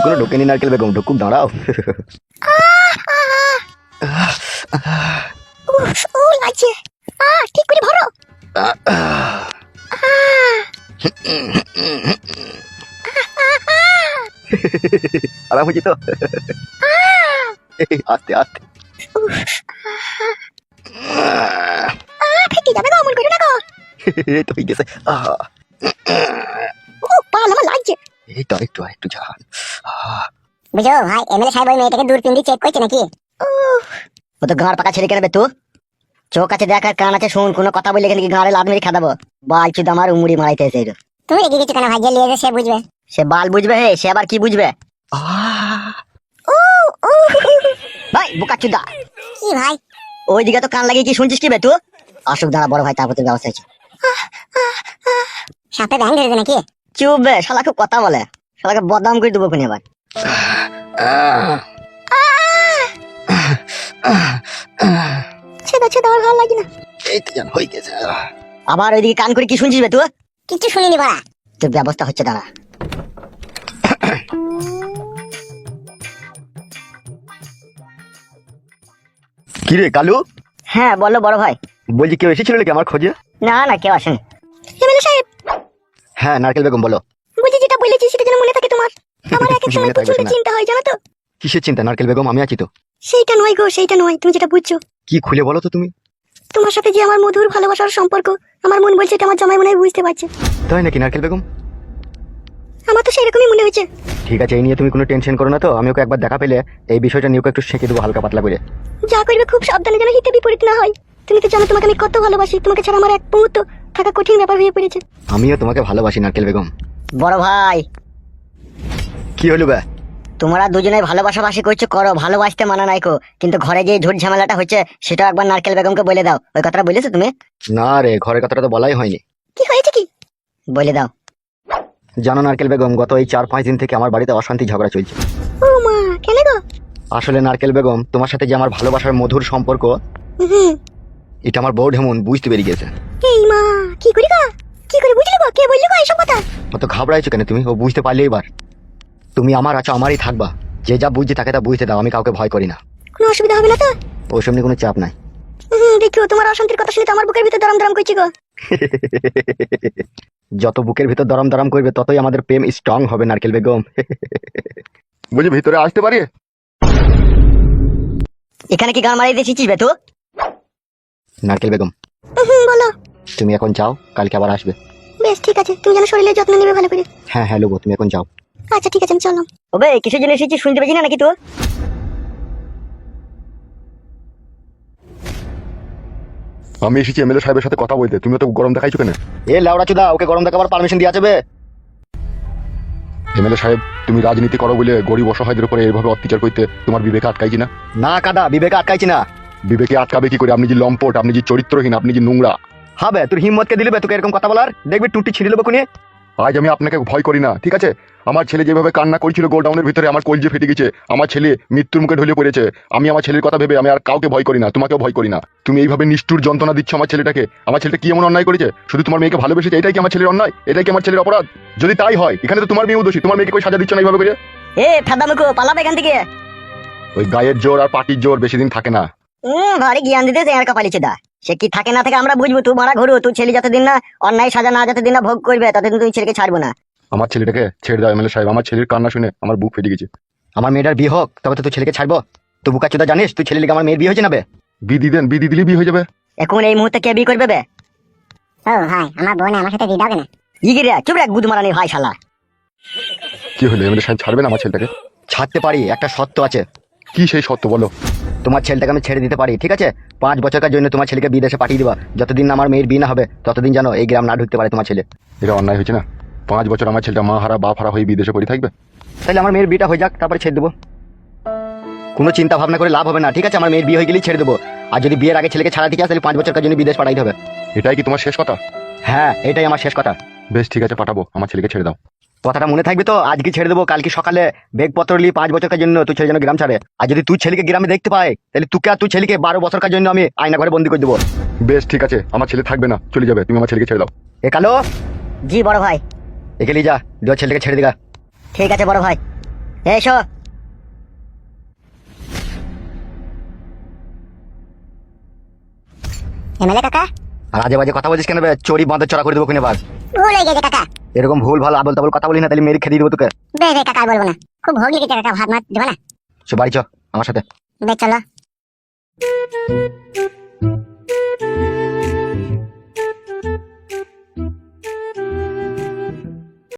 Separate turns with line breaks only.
এখনো ঢোকেনি নারকেল বেগম, ঢুকুক, দাঁড়াও।
ও লাগছে। ঠিক করে ভরো।
আরাম হয়েছে তো? আস্তে আস্তে।
ফেটে যাবে গো, অমন করো না গো।
এই তো হয়ে গেছে।
পাল আমার লাগছে।
এই তো একটু একটু ঝাল।
বুঝো ভাই, এমএলএ সাহেব ওই মেয়েটাকে দূরবীন দিয়ে চেক করছে নাকি?
ও তো গাঁড় পাকা ছেড়ে কেনবে তুই? চোখ আছে দেখ আর কান আছে শুন, কোনো কথা বললে এখানে কি গাঁড়ে লাদ মেরে খাদাবো? বাল চুদ আমার উমুড়ি মারাইতে এসে।
তুমি রেগে গেছো কেন ভাই? যে লিয়ে সে বুঝবে।
সে বাল বুঝবে হে, সে আবার কি বুঝবে? ভাই বোকা চুদা,
কি ভাই?
ওই দিকে তো কান লাগিয়ে কি শুনছিস কি বে তুই? আসুক দাঁড়া বড় ভাই, তারপর তোর ব্যবস্থা আছে।
সাপে ব্যাং ধরেছে নাকি?
চুপ বে, শালা খুব কথা বলে, শালাকে বদনাম করে দেবো কোন এবার।
ছেদা ছেদা আর ভালো লাগে না।
এই তো জান হয়ে গেছে।
আবার ওইদিকে কান করে কি শুনছিস বে তুই?
কিছু শুনিনি বাড়া।
তোর ব্যবস্থা হচ্ছে দাঁড়া।
কি রে কালু?
হ্যাঁ বলো বড় ভাই।
বলছি কেউ এসেছিল নাকি আমার খোঁজে?
না না, কেউ আসেনি।
এমএলএ সাহেব,
হ্যাঁ নারকেল বেগম বলো।
বলছি যেটা বলেছি সেটা যেন মনে থাকে তোমার। আমার এক এক সময়
মনে থাকবে
প্রচন্ড
না।
চিন্তা হয় জানো তো।
কিসের চিন্তা নারকেল বেগম, আমি আছি তো।
সেইটা নয় গো, সেইটা নয়, তুমি যেটা বুঝছো।
কি খুলে বলো তো তুমি।
তোমার সাথে যে আমার মধুর ভালোবাসার সম্পর্ক, আমার মন বলছে এটা আমার জামাই মনে হয় বুঝতে পারছে।
তাই নাকি নারকেল বেগম?
আমার তো সেরকমই মনে হয়েছে।
ঠিক আছে, এই নিয়ে তুমি কোনো টেনশন করো না তো। আমি ওকে একবার দেখা পেলে এই বিষয়টা নিয়ে ওকে একটু শেখে দেবো হালকা পাতলা করে।
যা করবে খুব সাবধানে যেন হিতে বিপরীত না হয়। তুমি তো জানো তোমাকে আমি কত ভালোবাসি, তোমাকে ছাড়া আমার এক মুহূর্ত থাকা কঠিন ব্যাপার হয়ে পড়েছে।
আমিও তোমাকে ভালোবাসি নারকেল বেগম।
বড় ভাই,
কি হলো বে?
তোমরা দুজনে ভালোবাসাবাসি করছো করো, ভালোবাসতে মানা নাই কো, কিন্তু ঘরে যে ঝুট ঝামেলাটা হচ্ছে সেটা একবার নারকেল বেগমকে বলে দাও। ওই কথাটা বলেছো তুমি?
না রে, ঘরের কথাটা তো বলাই হয়নি।
কি হয়েছে কি?
বলে দাও।
জানো নারকেল বেগম, গত এই 4-5 দিন থেকে আমার বাড়িতে অশান্তি ঝগড়া চলছে।
ও মা, কেন গো?
আসলে নারকেল বেগম, তোমার সাথে যে আমার ভালোবাসার মধুর সম্পর্ক,
হুম।
এটা আমার বউ ঢেমন বুঝতে পেরে গেছে।
এই মা, কি করি গো? কি করে বুঝলি গো? কে বললি গো এইসব কথা?
অত ঘাবড়াইছো কেন তুমি? ও বুঝতে পারলে এবার তুমি আমার আছো, আমারই থাকবা। যে যা বুঝছে তাকে তা বুঝতে দাও, আমি কাউকে ভয় করি না।
কোনো অসুবিধা হবে না তো?
ওইসব নিয়ে কোনো চাপ নাই।
দেখো তোমার অশান্তির কথা শুনে তো আমার বুকের ভিতর দরম দরম করছে গো।
যত বুকের ভিতর দরম দরম করবে ততই আমাদের প্রেম স্ট্রং হবে নারকেল বেগম। বুঝি ভিতরে আসতে পারি?
এখানে কি গান মারিয়ে দিয়েছিস বে তুই?
নারকেল বেগম
বলো।
তুমি এখন যাও, কালকে আবার আসবে।
বেশ ঠিক আছে, তুমি যেন শরীরের যত্ন নেবে ভালো করে।
হ্যাঁ হ্যাঁ লোবো, তুমি এখন যাও।
আচ্ছা ঠিক আছে, আমি চললাম।
ওবে কিসের জন্য এসেছিস শুনতে পেয়েছি না নাকি তুই?
আমি এসেছি এমএলএ সাহেবের সাথে কথা বলতে, তুমি তো গরম দেখাইছো কেন?
এ লেওড়া চুদা, ওকে গরম দেখাবার পারমিশন দিয়ে যাবে?
এমএলএ সাহেব, তুমি রাজনীতি করো বলে গরিব অসহায়দের উপরে এইভাবে অত্যাচার করতে তোমার বিবেকে আটকাইছি না?
না কাদা, বিবেকে আটকাইছি না।
বিবেকে আটকাবে কি করে? আপনি যে লম্পট, আপনি যে চরিত্রহীন, আপনি যে নোংরা।
হবে তোর হিম্মতকে দিলে তোকে এরকম কথা বলার? দেখবি টুটি ছিঁড়ে নেবো কোনে।
আজ আমি আপনাকে ভয় করি না, ঠিক আছে? আমার ছেলে যেভাবে কান্না করছিল গোডাউনের ভিতরে, আমার কলজে ফেটে গেছে। আমার ছেলে মৃত্যুর মুখে ঢলে পড়েছে। আমি আমার ছেলের কথা ভেবে আমি আর কাউকে ভয় করি না, তোমাকেও ভয় করি না। তুমি এইভাবে নিষ্ঠুর যন্ত্রণা দিচ্ছ আমার ছেলেটাকে। আমার ছেলেটা কি এমন অন্যায় করেছে? শুধু তোমার মেয়েকে ভালোবেসেছে, এটাই কি আমার ছেলের অন্যায়? এটাই কি আমার ছেলের অপরাধ? যদি তাই হয়, এখানে তো তোমার মেয়েও দোষী। তোমার মেয়েকে কই সাজা দিচ্ছ না এইভাবে করে?
এ ফাদামুকো, পালাবে এখান থেকে।
ওই গায়ের জোর আর পাটির জোর বেশি দিন থাকে না।
ভারী জ্ঞান দিতে আর কপালিছে দা। সে কি থাকে না থাকে আমরা বুঝবো। তুই মারা ঘুরু, তুই ছেলে যতদিন না অন্যায় সাজা না যতদিন না ভোগ করবে ততদিন তুই ছেলেকে ছাড়বো না।
আমার ছেলেটাকে ছেড়ে দাও এমএলএ সাহেব। আমার ছেলের কান্না শুনে আমার বুক ফেটে গেছে।
আমার মেয়েটার বিয়ে হোক, তবে তো তুই ছেলেকে ছাড়বো। তুই বুকা চুদা জানিস তুই ছেলে লিগে আমার মেয়ের বিয়ে হয়েছে না বে?
বিধি দেন, বিধি দিলে বিয়ে হয়ে যাবে।
এখন এই মুহূর্তে কে বিয়ে করবে বে?
ও ভাই, আমার বোন আমার সাথে দিদাও কেন?
ইগিরে চুপ রে গুদ মারানি ভাই শালা।
কি হলো এমএলএ সাহেব, ছাড়বেন আমার ছেলেটাকে?
ছাড়তে পারি, একটা শর্ত আছে।
কি সেই সত্য বলো?
তোমার ছেলেটাকে আমি ছেড়ে দিতে পারি, ঠিক আছে? 5 বছরের জন্য তোমার ছেলেকে বিদেশে পাঠিয়ে দিবা। যতদিন না আমার মেয়ের বিয়ে না হবে ততদিন যেন এই গ্রাম না ঢুকতে পারে তোমার ছেলে।
এটা অন্যায় হয়েছে না? 5 বছর আমার ছেলেটা মা হারা বাপ হারা হয়ে বিদেশে পড়ে থাকবে?
তাহলে আমার মেয়ের বিয়েটা হয়ে যাক, তারপরে ছেড়ে দেবো। কোনো চিন্তা ভাবনা করে লাভ হবে না, ঠিক আছে? আমার মেয়ের বিয়ে হয়ে গেলেই ছেড়ে দেবো। আর যদি বিয়ের আগে ছেলেকে ছাড়া দিকে আসে তাহলে 5 বছরের জন্য বিদেশ পাঠাইতে হবে।
এটাই কি তোমার শেষ কথা?
হ্যাঁ, এটাই আমার শেষ কথা।
বেশ ঠিক আছে, পাঠাবো। আমার ছেলেকে ছেড়ে দাও।
কথাটা মনে থাকবে তো? আজকে ছেড়ে দেবো, কালকে সকালে বেগপত্র নিয়ে 5 বছরের জন্য তুই ছেলে যেন গ্রাম ছাড়ে। আর যদি তুই ছেলেকে গ্রামে দেখতে পাই তাহলে তুই আর তুই ছেলেকে 12 বছরের জন্য আমি আয়না ঘরে বন্দি করে দেবো।
বেশ ঠিক আছে, আমার ছেলে থাকবে না, চলে যাবে। তুমি আমার ছেলেকে ছেড়ে দাও।
এ কালো,
জি বড় ভাই।
একে লিয়ে যা, ছেলেকে ছেড়ে দিগা।
ঠিক আছে বড় ভাই। এসো।
এমএলএ কাকা,
আর আজে বাজে কথা বলছিস কেন বে? চড়ি বাঁধে চড়া করে দেবো কিনে বার।
ভুল হয়ে গেছে কাকা।
এরকম ভুল ভাল আবল তাবল কথা বলি না, তাহলে মেরে খেয়ে দিয়ে দেবো তোকে।
বে বে কাকা, আর বলবো না। খুব ভোগ লেগেছে কাকা, ভাত মাত দেবো না?
সে বাড়ি চ আমার সাথে।
বে চলো।